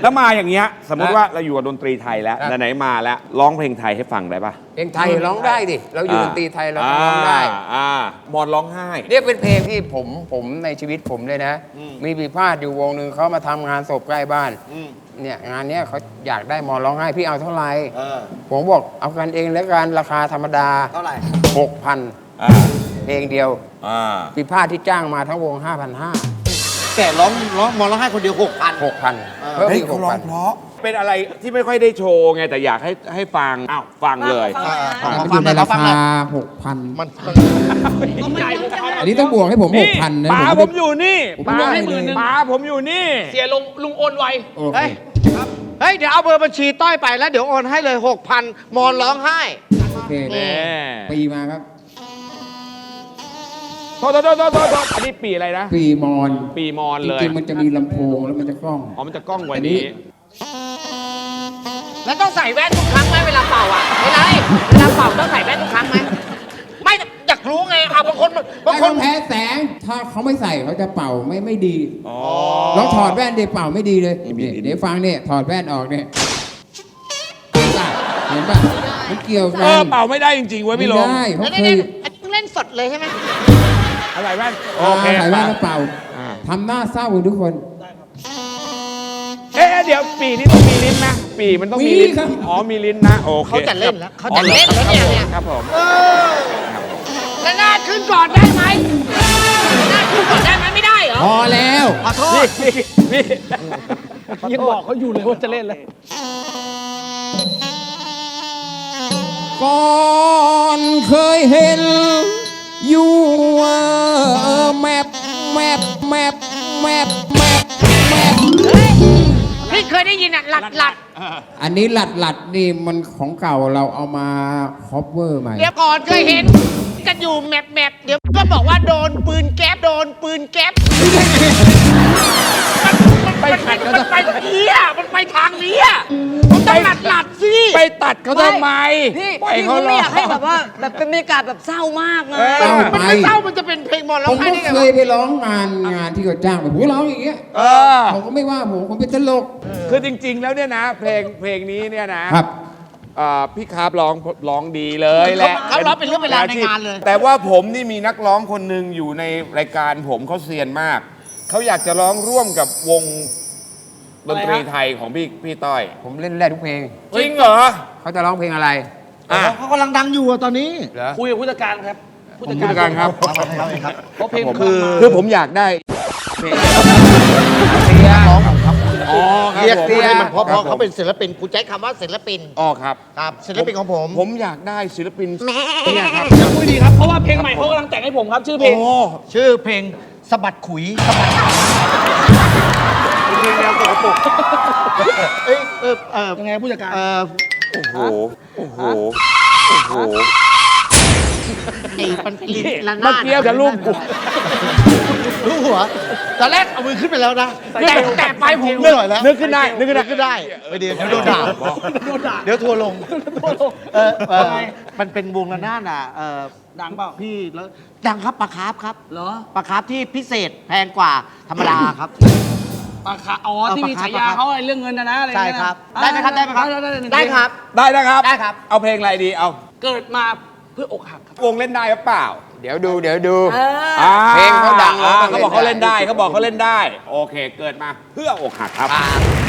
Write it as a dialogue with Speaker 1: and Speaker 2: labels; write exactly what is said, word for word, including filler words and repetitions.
Speaker 1: แล้วมาอย่างเงี้ยสมมติว่าเราอยู่กับดนตรีไทยแล้วไหนๆมาแล้วร้องเพลงไทยให้ฟังได้ปะ
Speaker 2: เพลงไทยร้องได้ดิเราอยู่ดนตรีไทยเราร้องได้
Speaker 1: อ่ามอนร้องไห้
Speaker 2: เรียกเป็นเพลงที่ผมผมในชีวิตผมเลยนะมีปีพาดอยู่วงหนึ่งเขามาทำงานศพใกล้บ้านเนี่ยงานเนี้ยเขาอยากได้มอนร้องไห้พี่เอาเท่าไหร่ผมบอกเอากันเองแล้วกันราคาธรรมดา
Speaker 3: เท่าไหร่
Speaker 2: หกพันเพลงเดียวปีพาดที่จ้างมาทั้งวงห้าพันห้า
Speaker 3: แต่ร้องร้องมอนร้องไห้คนเดียวหกพัน
Speaker 2: หกพันเพิ่มอีกหกพัน
Speaker 1: เพราะเป็นอะไรที่ไม่ค่อยได้โชว์ไงแต่อยากให้ให้ฟังอ้าวฟังเลย
Speaker 4: มันอยู่ในราคาหกพัน
Speaker 3: มัน
Speaker 4: อันนี้ต้องบวกให้ผมหกพันนะ
Speaker 1: ป๋าผมอยู่นี่
Speaker 4: ป๋าให้หมื่นนึง
Speaker 1: ป๋าผมอยู่นี่
Speaker 5: เสียลุงลุงโอนไว
Speaker 3: เฮ้ยเฮ้ยเดี๋ยวเอาเบอร์บัญชีต้อยไปแล้วเดี๋ยวโอนให้เลยหกพันมอนร้องไห้
Speaker 4: โอเคปีมาครับ
Speaker 1: โทษโทษโทษโทษโทษอันนี้ปีอะไรนะ
Speaker 4: ปีมอน
Speaker 1: ปีมอนเลย
Speaker 4: จริงๆมันจะมีลำโพงแล้วมันจะกล้อง
Speaker 1: อ๋อมันจะกล้องกว่านี้
Speaker 5: แล้วต้องใส่แว่นทุกครั้งไหมเวลาเป่าอ่ะเวลาเวลาเป่าต้องใส่แว่นทุกครั้งไหมไม่อยากรู้ไงอ่ะบางคน
Speaker 4: บางคนแพ้แสงถ้าเขาไม่ใส่เขาจะเป่าไม่ไม่ดีลองถอดแว่นเดี๋ยวเป่าไม่ดีเลยเดี๋ยวฟังเนี่ยถอดแว่นออกเนี่ยเห็นป่ะมันเกี่ยวกัน
Speaker 1: เออเป่าไม่ได้จริงๆเว้ยพี่ลง
Speaker 4: ไม่ได้เขาเคย
Speaker 5: เล่นสดเลยใช่ไหม
Speaker 1: อะไรแว่น
Speaker 4: โอเคใส่แว่นแล้วเป่าทำหน้าเศร้าทุกคน
Speaker 1: เอ๊ะเดี๋ยวปีนี้ต้องมีลิ้นนะปีมันต้องมีลิ้นอ๋อมีลิ้นนะโอเค
Speaker 5: เขาจะเล่นแล้วเขาจะเล่นแล้วเนี่ย
Speaker 1: ครับผม
Speaker 5: แล้วหน้าขึ้นก่อนได้ไหมหน้าขึ้นก่อนได้ไหมไม่ได้เหรอ
Speaker 4: พอแล้ว
Speaker 5: ขอโทษ
Speaker 1: พี่
Speaker 5: ยังบอกเขาอยู่เลยว่าจะเล่นเลย
Speaker 4: ก่อนเคยเห็นอยู่แมปแมปแมปแมปแมปแมป
Speaker 5: พี่เคยได้ยินอ่ะหลัดหลัด
Speaker 4: อันนี้หลัดหลัดนี่มันของเก่าเราเอามาคอปเวอร์ใหม่
Speaker 5: เดี๋ยวก่อนเคยเห็นกันอยู่แมปแมปเดี๋ยวก็บอกว่าโดนปืนแก๊ปโดนปืนแก๊ปไปขัดเขามันไปนี้อ่ะมันไปทางนี้อ่ะมันต้องหลัดหลัดสิ
Speaker 1: ไปตัดเขาทำไม
Speaker 6: พี่พี่เขาไม่อยากให้แบบว่าแบบเป็นบรรยากาศแบบเศร้ามากนะ
Speaker 5: มันไม่เศร้ามันจะเป็นเพลงบอลร้องไห้ได้ไง
Speaker 4: ผมเคยไปร้องงานงานที่เขาจ้างแบบผมร้องอย่างเงี้ยผมก็ไม่ว่าผมผมเป็นตลก
Speaker 1: คือจริงๆแล้วเนี่ยนะเพลงเพลงนี้เนี่ยนะครับพี่คาร์บร้องร้องดีเลยแหละ
Speaker 5: เขาร้องเป็นเรื่องเวลาในงานเลย
Speaker 1: แต่ว่าผมนี่มีนักร้องคนหนึ่งอยู่ในรายการผมเขาเซียนมากเขาอยากจะร้องร่วมกับวงดนตรีไทยของพี่พี่ต้อย
Speaker 2: ผมเล่นได้ทุกเพลง
Speaker 1: จริงเหรอ
Speaker 2: เขาจะร้องเพลงอะไร
Speaker 3: เขากำลังดังอยู่ตอนนี้
Speaker 5: คุยกับผู้จัดการครับ
Speaker 1: ผู้จัดการครับ
Speaker 5: เพราะเพลง
Speaker 1: คือคือผมอยากได้เพลง
Speaker 3: เสียร้องครับอ๋อเรียกเสียมันเพราะเพราะเขาเป็นศิลปินกูใช้คำว่าศิลปิน
Speaker 1: อ๋อครับ
Speaker 3: ครับศิลปินของผม
Speaker 1: ผมอยากได้ศิลปิน
Speaker 5: เนี่ยครับคุยดีครับเพราะว่าเพลงใหม่เขากำลังแต่งให้ผมครับชื่อเพลง
Speaker 3: ชื่อเพลงสะบัดขุยสะบัดเพลงแนวสกปรกเอ้ยเออเออ
Speaker 5: ยังไงผู้จัดการ
Speaker 1: เออโอ้โหโอ้โหโอ้โห
Speaker 5: ไอ้มันลิ้นละ
Speaker 1: นาดเมื่อกี้จะลูกกู
Speaker 3: รู้หัวตอนแรกเอามือขึ้นไปแล้วนะ
Speaker 5: แต่แต่ไปผม
Speaker 3: นึกหน่อยแล้ว
Speaker 1: นึกขึ้นได้นึกขึ้นได้
Speaker 3: ขึ้นได้เดี๋ยวเดี๋ยวโดนด่าเดี๋ยวทัวร์ลงเออเออมันเป็นวงละนาดอ่ะเออ
Speaker 5: ดังเปล่า
Speaker 3: พี่แล้วดังครับปลาคาร์ฟครับ
Speaker 5: เหรอ
Speaker 3: ปลาคาร์ฟที่พิเศษแพงกว่าธรรมดาครับ
Speaker 5: ปลาคาร์ฟอ๋อที่มีฉายาเขาอะไรเรื่องเงินนะนะอะไร
Speaker 3: ใช่ครับได้ไหมครับได้ไหมครับ
Speaker 5: ได้ครับ
Speaker 1: ได้นะครับ
Speaker 3: ได้ครับ
Speaker 1: เอาเพลงอะไรดีเอา
Speaker 5: เกิดมาเพื่ออกหักครับ
Speaker 1: วงเล่นได้หรือเปล่า
Speaker 2: เดี๋ยวดูเดี๋ยวดู
Speaker 1: เพลงเขาดังเขาบอกเขาเล่นได้เขาบอกเขาเล่นได้โอเคเกิดมาเพื่ออกหักครับ